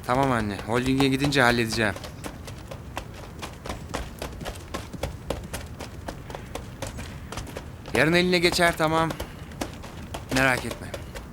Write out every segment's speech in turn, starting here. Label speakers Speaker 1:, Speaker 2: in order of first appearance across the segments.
Speaker 1: Tamam anne. Holding'e gidince halledeceğim. Yarın eline geçer, tamam. Merak etme.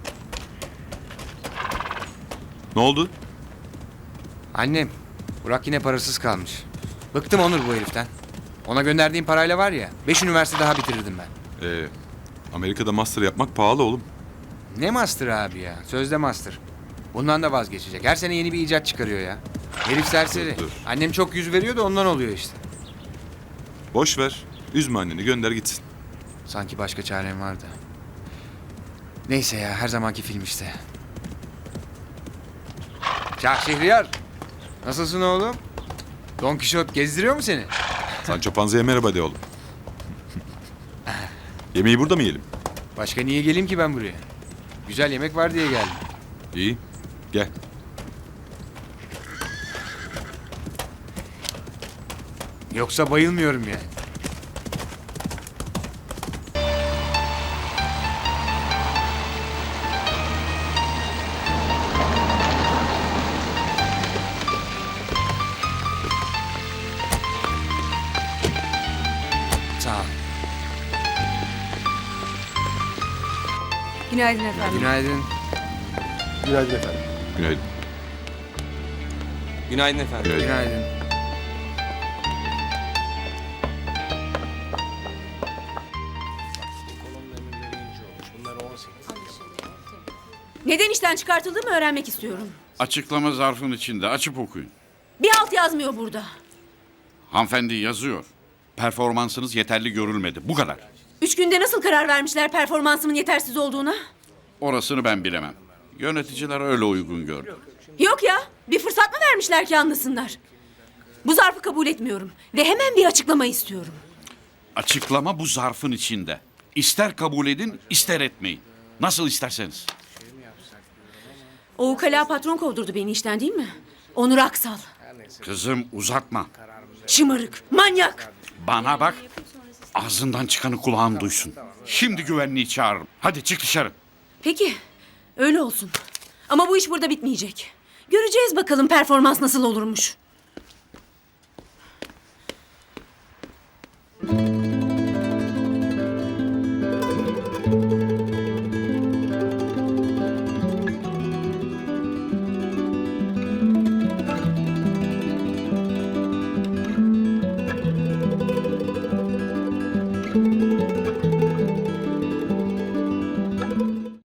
Speaker 2: Ne oldu?
Speaker 1: Annem, Burak yine parasız kalmış. Bıktım Onur bu heriften. Ona gönderdiğim parayla var ya, 5 üniversite daha bitirirdim ben.
Speaker 2: Amerika'da master yapmak pahalı oğlum.
Speaker 1: Ne master abi ya? Sözde master. Bundan da vazgeçecek. Her sene yeni bir icat çıkarıyor ya. Herif serseri.
Speaker 2: Dur.
Speaker 1: Annem çok yüz veriyor da ondan oluyor işte.
Speaker 2: Boş ver. Üzme anneni, gönder gitsin.
Speaker 1: Sanki başka çarem vardı. Neyse ya, her zamanki film işte. Şah Şehriyar. Nasılsın oğlum? Don Kişot gezdiriyor mu seni?
Speaker 2: Sancho Panza'ya merhaba de oğlum. Yemeği burada mı yiyelim?
Speaker 1: Başka niye geleyim ki ben buraya? Güzel yemek var diye geldim.
Speaker 2: İyi. Gel.
Speaker 1: Yoksa bayılmıyorum yani. Sağ ol.
Speaker 3: Günaydın efendim.
Speaker 1: Günaydın.
Speaker 4: Günaydın efendim.
Speaker 2: Günaydın.
Speaker 4: Günaydın efendim.
Speaker 2: Günaydın.
Speaker 1: Günaydın.
Speaker 3: Neden işten çıkartıldığımı öğrenmek istiyorum.
Speaker 5: Açıklama zarfın içinde. Açıp okuyun.
Speaker 3: Bir alt yazmıyor burada.
Speaker 5: Hanımefendi yazıyor. Performansınız yeterli görülmedi. Bu kadar.
Speaker 3: 3 günde nasıl karar vermişler performansımın yetersiz olduğuna?
Speaker 5: Orasını ben bilemem. Yöneticiler öyle uygun gördü.
Speaker 3: Yok ya, bir fırsat mı vermişler ki anlasınlar? Bu zarfı kabul etmiyorum ve hemen bir açıklama istiyorum.
Speaker 5: Açıklama bu zarfın içinde. İster kabul edin, ister etmeyin. Nasıl isterseniz.
Speaker 3: O ukala patron kovdurdu beni işten değil mi? Onur Aksal.
Speaker 5: Kızım uzatma.
Speaker 3: Şımarık, manyak.
Speaker 5: Bana bak. Ağzından çıkanı kulağın duysun. Şimdi güvenliği çağırırım. Hadi çık dışarı.
Speaker 3: Peki, öyle olsun. Ama bu iş burada bitmeyecek. Göreceğiz bakalım performans nasıl olurmuş.